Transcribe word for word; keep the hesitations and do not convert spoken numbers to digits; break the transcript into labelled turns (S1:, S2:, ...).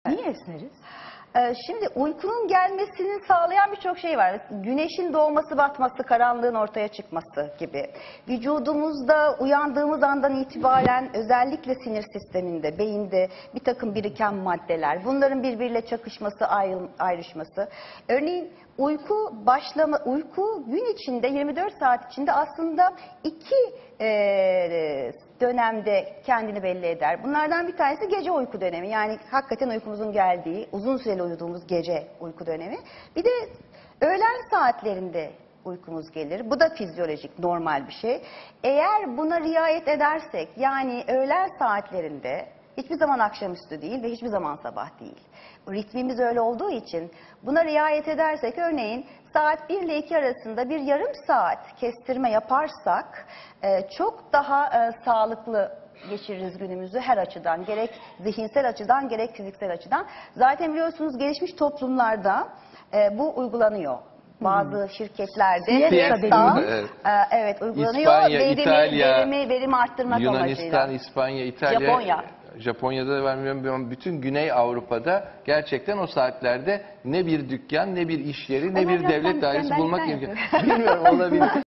S1: Niye esneriz?
S2: Ee, Şimdi uykunun gelmesini sağlayan birçok şey var. Güneşin doğması, batması, karanlığın ortaya çıkması gibi. Vücudumuzda uyandığımız andan itibaren özellikle sinir sisteminde, beyinde bir takım biriken maddeler, bunların birbiriyle çakışması, ayrı- ayrışması. Örneğin uyku başlama, uyku gün içinde yirmi dört saat içinde aslında iki e, dönemde kendini belli eder. Bunlardan bir tanesi gece uyku dönemi. Yani hakikaten uykumuzun geldiği, uzun süreli uyuduğumuz gece uyku dönemi. Bir de öğlen saatlerinde uykumuz gelir. Bu da fizyolojik, normal bir şey. Eğer buna riayet edersek, yani öğlen saatlerinde hiçbir zaman akşamüstü değil ve hiçbir zaman sabah değil. Ritmimiz öyle olduğu için buna riayet edersek, örneğin saat bir ile iki arasında bir yarım saat kestirme yaparsak e, çok daha e, sağlıklı geçiririz günümüzü her açıdan. Gerek zihinsel açıdan gerek fiziksel açıdan. Zaten biliyorsunuz gelişmiş toplumlarda e, bu uygulanıyor. Bazı şirketlerde
S1: Siesta,
S2: evet. E, evet uygulanıyor.
S3: İspanya,
S2: verimi,
S3: İtalya,
S2: verimi, verimi arttırmak
S3: Yunanistan,
S2: amacıyla.
S3: İspanya, İtalya,
S2: Japonya.
S3: Japonya'da da vermiyorum. Bütün Güney Avrupa'da gerçekten o saatlerde ne bir dükkan, ne bir iş yeri, ne
S2: Ama
S3: bir
S2: biraz
S3: devlet
S2: sen-
S3: dairesi
S2: sen- ben-
S3: bulmak
S2: ben
S3: imkanı.
S2: yapıyorum.
S3: Bilmiyorum, olabilir.